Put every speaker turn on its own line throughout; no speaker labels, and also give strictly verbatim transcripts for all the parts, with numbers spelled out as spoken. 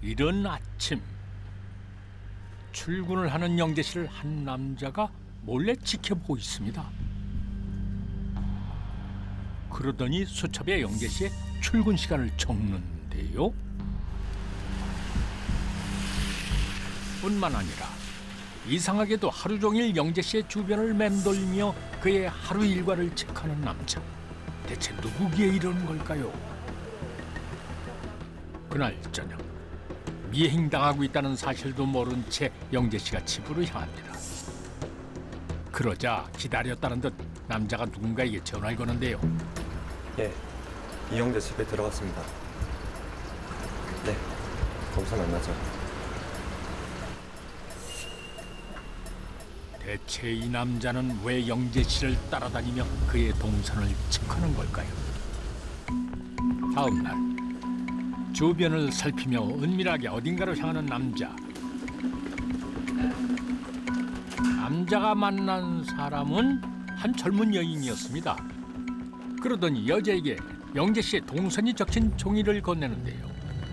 이른 아침, 출근을 하는 영재 씨를 한 남자가 몰래 지켜보고 있습니다. 그러더니 수첩에 영재 씨의 출근 시간을 적는데요. 뿐만 아니라 이상하게도 하루 종일 영재 씨의 주변을 맴돌며 그의 하루 일과를 체크하는 남자. 대체 누구기에 이러는 걸까요? 그날 저녁, 미행당하고 있다는 사실도 모른 채 영재 씨가 집으로 향합니다. 그러자 기다렸다는 듯 남자가 누군가에게 전화를 거는데요.
예, 이영재 집에 들어갔습니다. 네, 거기서 만나죠.
대체 이 남자는 왜 영재 씨를 따라다니며 그의 동선을 체크하는 걸까요? 다음 날, 주변을 살피며 은밀하게 어딘가로 향하는 남자. 남자가 만난 사람은 한 젊은 여인이었습니다. 그러더니 여자에게 영재 씨의 동선이 적힌 종이를 건네는데요.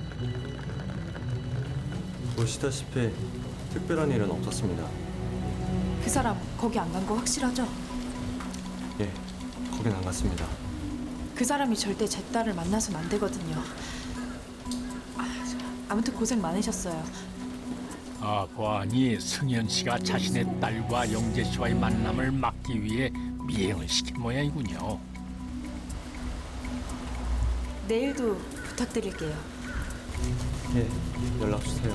보시다시피 특별한 일은 없었습니다.
그 사람 거기 안 간 거 확실하죠?
예, 거긴 안 갔습니다.
그 사람이 절대 제 딸을 만나선 안 되거든요. 아, 아무튼 고생 많으셨어요.
아, 보아하니 승현 씨가 자신의 딸과 영재 씨와의 만남을 막기 위해 미행을 시킨 모양이군요.
내일도 부탁드릴게요.
예, 연락 주세요.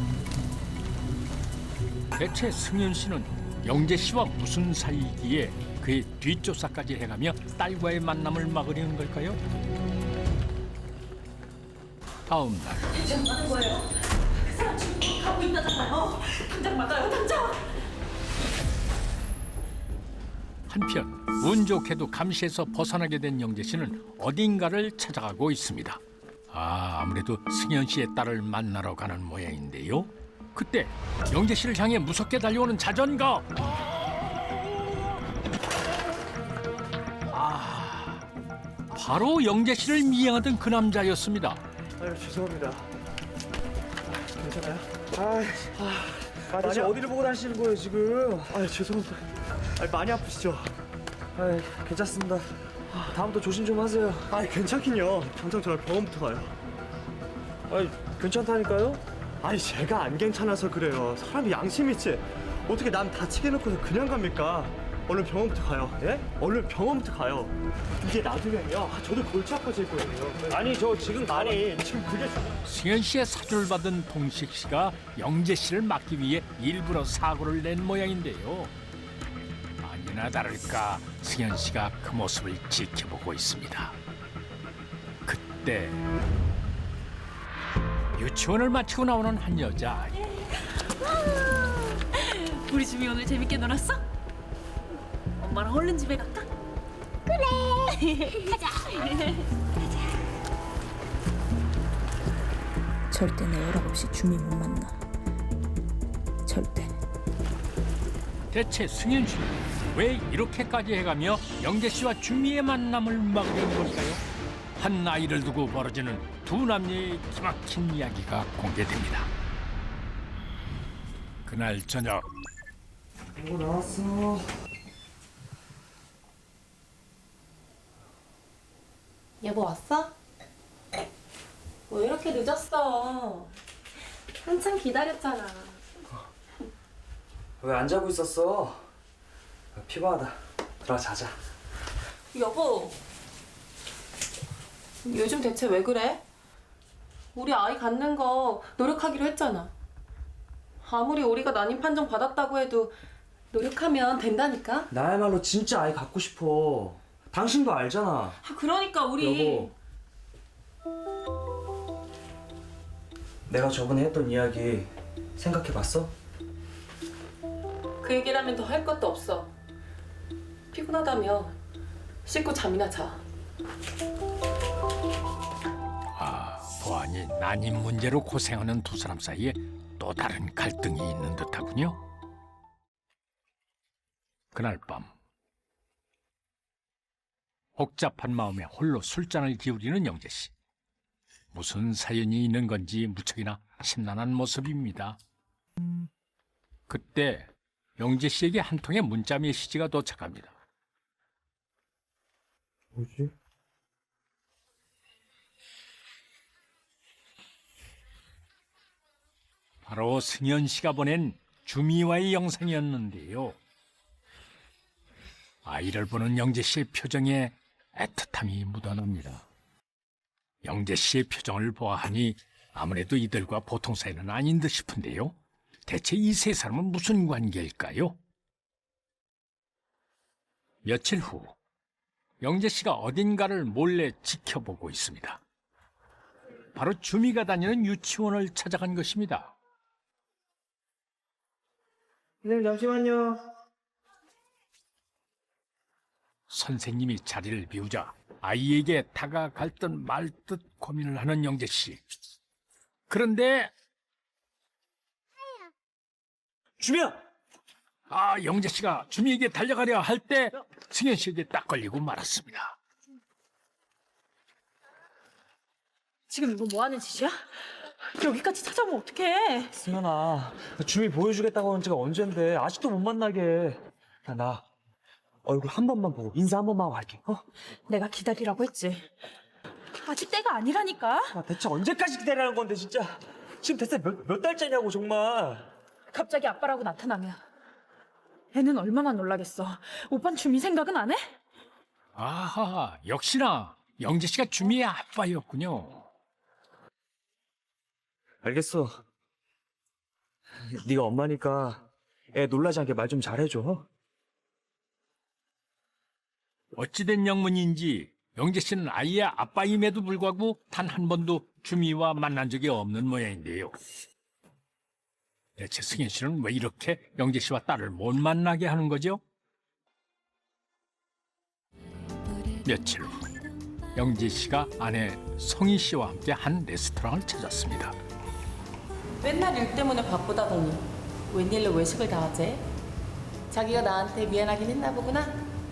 대체 승현 씨는 영재 씨와 무슨 사이기에 그의 뒷조사까지 해가며 딸과의 만남을 막으려는 걸까요? 다음 날
지금 하는 거예요? 그 사람 지금 가고 있다잖아요. 당장 막아요, 당장.
한편 운 좋게도 감시에서 벗어나게 된 영재 씨는 어딘가를 찾아가고 있습니다. 아, 아무래도 승현 씨의 딸을 만나러 가는 모양인데요. 그때 영재 씨를 향해 무섭게 달려오는 자전거. 아, 바로 영재 씨를 미행하던 그 남자였습니다.
아유 죄송합니다. 괜찮아요? 아, 아, 아니 어디를 보고 다니시는 거예요 지금? 아 죄송합니다. 아 많이 아프시죠? 아 괜찮습니다. 아, 다음부터 조심 좀 하세요. 아 괜찮긴요. 당장 저랑 병원부터 가요. 아 괜찮다니까요? 아니 제가 안 괜찮아서 그래요. 사람이 양심 있지. 어떻게 남 다치게 해놓고서 그냥 갑니까? 얼른 병원부터 가요. 예? 얼른 병원부터 가요. 이게 놔두면요. 아, 저도 골치 아파질 거예요. 아니 저 지금 많이 지금 그게
승현 씨의 사주를 받은 동식 씨가 영재 씨를 막기 위해 일부러 사고를 낸 모양인데요. 아니나 다를까 승현 씨가 그 모습을 지켜보고 있습니다. 그때 유치원을 마치고 나오는 한 여자.
우리 집이 오늘 재밌게 놀았어? 엄마랑 얼른 집에 갈까? 그래. 가자.
절대 내 허락 없이 주미 못 만나. 절대.
대체 승현 씨는 왜 이렇게까지 해가며 영재 씨와 주미의 만남을 막으려는 걸까요? 한 아이를 두고 벌어지는 두 남녀의 기막힌 이야기가 공개됩니다. 그날 저녁,
뭐 나왔어?
여보 왔어? 왜 이렇게 늦었어? 한참 기다렸잖아.
왜 안 자고 있었어? 피곤하다. 들어가 자자.
여보, 요즘 대체 왜 그래? 우리 아이 갖는 거 노력하기로 했잖아. 아무리 우리가 난임 판정 받았다고 해도 노력하면 된다니까?
나야말로 진짜 아이 갖고 싶어. 당신도 알잖아.
아, 그러니까 우리
여보. 내가 저번에 했던 이야기 생각해봤어?
그 얘기를 하면 더 할 것도 없어. 피곤하다며 씻고 잠이나 자.
아, 보아니 난임 문제로 고생하는 두 사람 사이에 또 다른 갈등이 있는 듯하군요. 그날 밤 복잡한 마음에 홀로 술잔을 기울이는 영재 씨. 무슨 사연이 있는 건지 무척이나 심란한 모습입니다. 그때 영재 씨에게 한 통의 문자 메시지가 도착합니다.
뭐지?
바로 승현 씨가 보낸 주미와의 영상이었는데요. 아이를 보는 영재 씨의 표정에 애틋함이 묻어납니다. 영재 씨의 표정을 보아하니 아무래도 이들과 보통 사이는 아닌 듯 싶은데요. 대체 이 세 사람은 무슨 관계일까요? 며칠 후 영재 씨가 어딘가를 몰래 지켜보고 있습니다. 바로 주미가 다니는 유치원을 찾아간 것입니다.
선생님 잠시만요.
선생님이 자리를 비우자 아이에게 다가갈 듯 말 듯 고민을 하는 영재 씨. 그런데
주미야.
아, 영재 씨가 주미에게 달려가려 할 때 승현 씨에게 딱 걸리고 말았습니다.
지금 이거 뭐 하는 짓이야? 여기까지 찾아오면 어떡해?
승현아, 주미 보여주겠다고 한 지가 언젠데 아직도 못 만나게. 야, 나 얼굴 한 번만 보고 인사 한 번만 하고 갈게. 어?
내가 기다리라고 했지. 아직 때가 아니라니까.
아, 대체 언제까지 기다리라는 건데 진짜. 지금 대체 몇, 몇 달째냐고 정말.
갑자기 아빠라고 나타나면 애는 얼마나 놀라겠어. 오빤 주미 생각은 안 해?
아하, 역시나 영재 씨가 주미의 아빠였군요.
알겠어. 네가 엄마니까 애 놀라지 않게 말 좀 잘해줘.
어찌된 영문인지 영재 씨는 아이의 아빠임에도 불구하고 단 한 번도 주미와 만난 적이 없는 모양인데요. 대체 승현 씨는 왜 이렇게 영재 씨와 딸을 못 만나게 하는 거죠? 며칠 후 영재 씨가 아내 성희 씨와 함께 한 레스토랑을 찾았습니다.
맨날 일 때문에 바쁘다더니 웬일로 외식을 다 하지? 자기가 나한테 미안하긴 했나 보구나.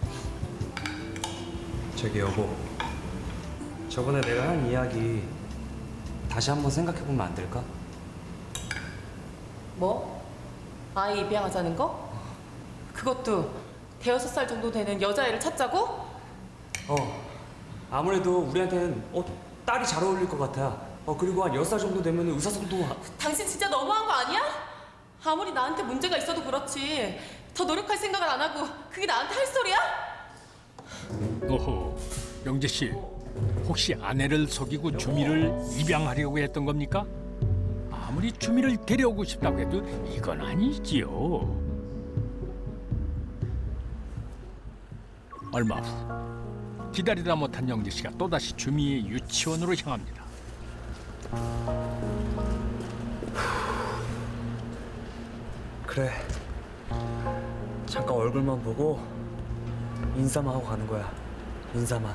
저기 여보, 저번에 내가 한 이야기 다시 한번 생각해보면 안 될까?
뭐? 아이 입양하자는 거? 그것도 대여섯 살 정도 되는 여자애를 찾자고?
어, 아무래도 우리한테는 어, 딸이 잘 어울릴 것 같아. 어, 그리고 한 여섯 살 정도 되면 의사소통도 하-
당신 진짜 너무한 거 아니야? 아무리 나한테 문제가 있어도 그렇지 더 노력할 생각을 안 하고 그게 나한테 할 소리야?
오호, 영재 씨, 혹시 아내를 속이고 주미를 입양하려고 했던 겁니까? 아무리 주미를 데려오고 싶다고 해도 이건 아니지요. 얼마 후 기다리다 못한 영재 씨가 또다시 주미의 유치원으로 향합니다.
그래. 잠깐 얼굴만 보고 인사만 하고 가는 거야. 인사만.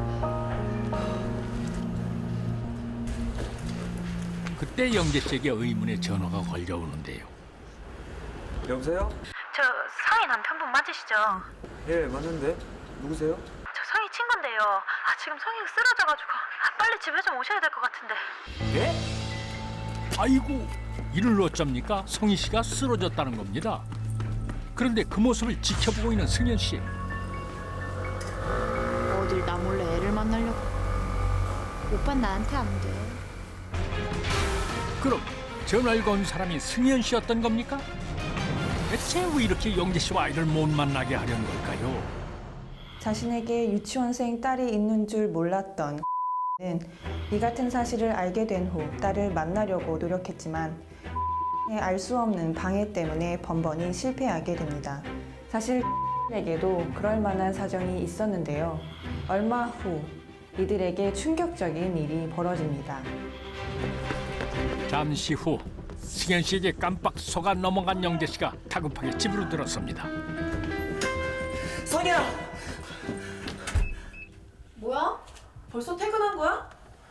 그때 영재 씨에게 의문의 전화가 걸려오는데요.
여보세요?
저 성희 남편분 맞으시죠?
예, 맞는데. 누구세요?
저 성희 친구인데요. 아, 지금 성희가 쓰러져가지고 아, 빨리 집에 좀 오셔야 될 것 같은데.
예?
아이고, 이를 어쩝니까? 성희 씨가 쓰러졌다는 겁니다. 그런데 그 모습을 지켜보고 있는 승현 씨.
어딜 나 몰래 애를 만나려고. 오빤 나한테 안 돼.
그럼 전화를 건 사람이 승현 씨였던 겁니까? 대체 왜 이렇게 영재 씨와 아이를 못 만나게 하려는 걸까요?
자신에게 유치원생 딸이 있는 줄 몰랐던 는 이 같은 사실을 알게 된 후 딸을 만나려고 노력했지만 알 수 없는 방해 때문에 번번이 실패하게 됩니다. 사실 에게도 그럴 만한 사정이 있었는데요. 얼마 후 이들에게 충격적인 일이 벌어집니다.
잠시 후 승현 씨에게 깜빡 속아 넘어간 영재 씨가 다급하게 집으로 들어섭니다.
성희야!
뭐야? 벌써 퇴근한 거야?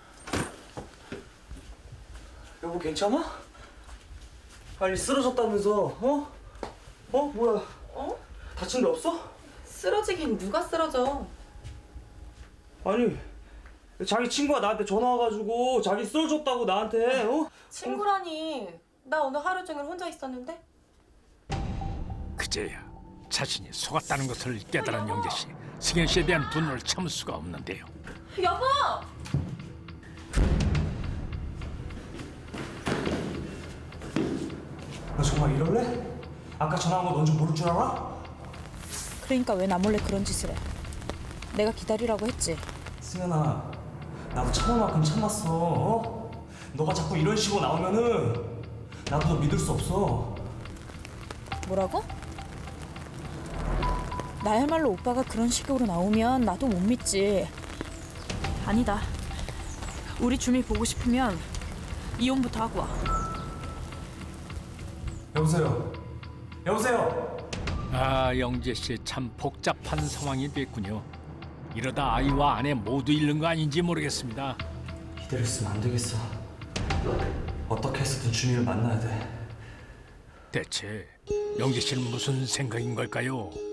여보 괜찮아? 아니 쓰러졌다면서? 어? 어? 뭐야?
어?
다친 데 없어?
쓰러지긴 누가 쓰러져?
아니 자기 친구가 나한테 전화 와가지고 자기 쓰러졌다고 나한테 어?
친구라니. 나 오늘 하루 종일 혼자 있었는데.
그제야 자신이 속았다는 것을 깨달은 영재 씨. 승현 씨에 대한 분노를 참을 수가 없는데요.
여보!
너 정말 이럴래? 아까 전화한 거 넌 좀 모를 줄 알아?
그러니까 왜 나 몰래 그런 짓을 해? 내가 기다리라고 했지.
승현아, 나도 참을 만큼 참았어. 어? 너가 자꾸 이런 식으로 나오면은 나도 너 믿을 수 없어.
뭐라고? 나야말로 오빠가 그런 식으로 나오면 나도 못 믿지.
아니다. 우리 주미 보고 싶으면 이혼부터 하고 와.
여보세요. 여보세요.
아, 영재 씨 참 복잡한 상황이 됐군요. 이러다 아이와 아내 모두 잃는 거 아닌지 모르겠습니다.
이대로 있으면 안 되겠어. 어떻게 해서든 주민을 만나야 돼.
대체 영재 씨는 무슨 생각인 걸까요?